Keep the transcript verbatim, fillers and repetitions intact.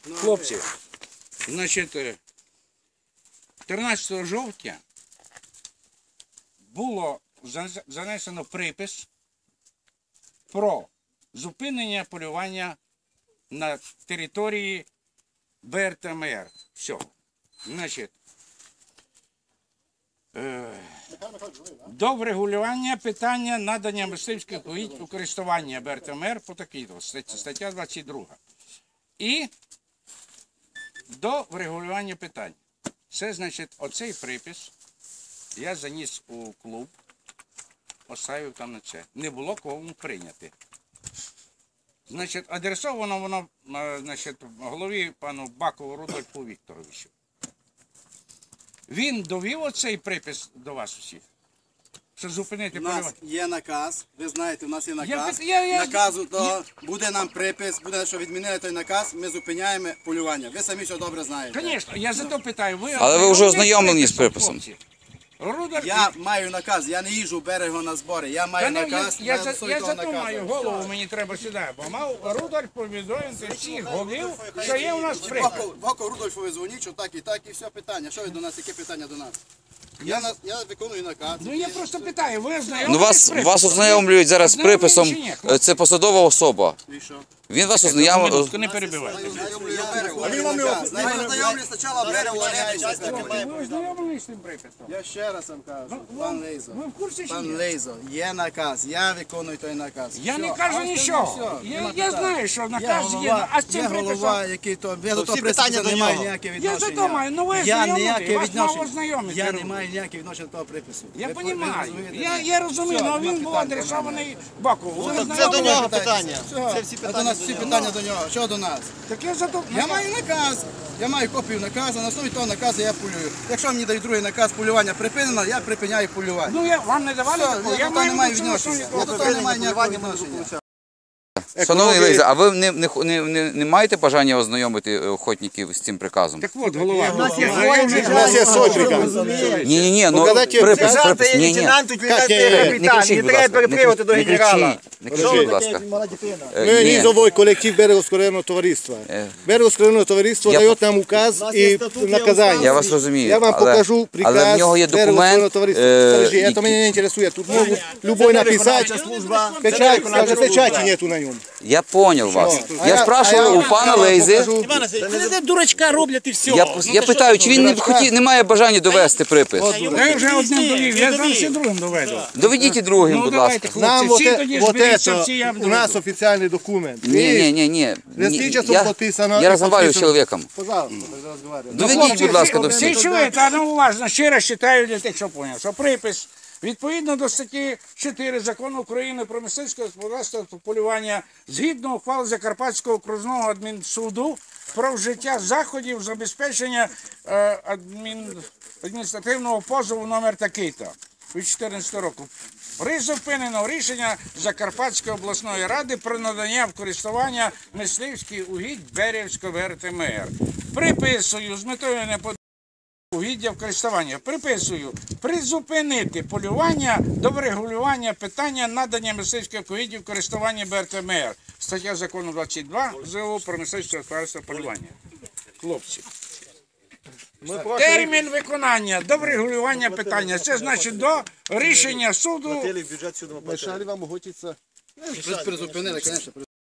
Хлопці, значить, тринадцятого жовтня було занесено припис про зупинення полювання на території Б Р Т М Р. Все. Значить, е, до врегулювання питання надання мисливських угідь у користування Б Р Т М Р по такій стаття двадцять друга. І до врегулювання питань. Це, значить, оцей припис я заніс у клуб, поставив там на це. Не було кому прийняти. Значить, адресовано воно, значить, голові пану Бакову Рудольфу Вікторовичу. Він довів оцей припис до вас усіх? Що зупинити полювання? У нас є наказ, ви знаєте, у нас є наказ. Я, я, я, Наказу, то буде нам припис, буде, що відмінили той наказ, ми зупиняємо полювання. Ви самі що добре знаєте. Звісно, я за то питаю. Ви Але ви вже ознайомлені з приписом. Рудольф... Я маю наказ, я не їжджу в берегу на збори, я маю не, наказ, я, я, я, я, я за то маю голову, мені треба сюди, бо мав Рудольф повідомити всіх голів, що є у нас припис. Боко Рудольфові дзвоніть, що так і так, і все питання. Що ви до нас, яке питання до нас? Я, на, я виконую наказ. Ну я просто питаю, ви ознайомлені Ну вас, вас ознайомлюють зараз з приписом, це посадова особа. І що? Він вас ознайомив. Не перебивайте. А він вам його знайомлю спочатку берегу, Ви ознайомлені з цим приписом? Я ще раз вам кажу, пан Лейзо. Ви в курсі чи Пан ні? Лейзо, є наказ, я виконую той наказ. Я не Все, кажу а нічого. все, Я, нема я питань. знаю, що Є наказ є, голова, а з цим є голова, приписом... який то, я до того всі питання припису до не маю нього. ніякого Я відношення. за то маю, ну ви Я ознайомлені, ніяке вас мав відношення. ознайомити. Я не маю ніякого відношення до того припису. Я Ви- ви розумію. розумієте? Я, я розумію, Все, але нема він був питань. адресований Бакову. Ви Це до ознайомлені? нього питання. Все, Це всі а до питання нас до всі нього. питання до нього. Що до нас? Так я за то... Я маю наказ. Я маю копію наказу, на основі того наказу я полюю. Якщо мені дають другий наказ, полювання припинено, я припиняю полювання. Ну я вам не давали Все, такого? я до того не маю на цьому відношення. основі Я до того не маю ніякого відношення. Шановний Лейза, а ви не, не, не, не, не маєте бажання ознайомити охотників з цим приказом? Так от, голова. У нас є свій приказ. Ні, ні, ні, ну Показати припис, сказати припис, ні, ні. лейтенанту, Не капітан, кричіть, не будь треба ласка, не перепривати до кричіть, генерала. не кричіть, будь ласка. Е, Ми ні. низовий колектив Берегоскоренного товариства. Е. Берегоскоренного товариство Я- дає нам указ і наказання. Я вас розумію. Я вам але- покажу приказ але в нього є Берегоскоренного документ, товариства. е, Подожди, який- це мене не інтересує. Тут можуть любой написати. Печать, скаже, печаті нету на ньому. Я понял вас. А Я а спрашиваю я у пана вам Лейзи. покажу. Це дурачка роблять і все. Я, я питаю, чи він не, хотів, не має бажання довести припис? Я вже одним довів, я сам ще другим доведу. Доведіть і другим, Ну будь давайте, ласка. Нам хлопці, вот, всі е- тоді вот зберіться, это всі я у нас доведу. официальный документ. Не, не, не, не. Листичеством Я, подписано. я и разговариваю с подписано. человеком. Пожалуйста, тогда разговариваем. Доведіть, будь ласка, до Всі всіх. чуєте, а ну уважно, ще раз читаю для тих, що поняв, що припис відповідно до статті чотири Закону України про мисливське господарство та полювання, згідно ухвали Закарпатського окружного адмінсуду про вжиття заходів забезпечення е, адмін... адміністративного позову номер такий-то від чотирнадцятого року. Призупинено рішення Закарпатської обласної ради про надання в користування мисливських угідь Берівського Б Р Т М Р. Приписую з метою неподобання угіддя в користування. Приписую призупинити полювання до врегулювання питання надання мисливських угіддів в користування Б Р Т М Р. Стаття закону двадцять два З О про мисливське господарство полювання. Хлопці. Термін виконання до врегулювання питання. Це значить до рішення суду. Мешали вам охотиться? Призупинили, звісно.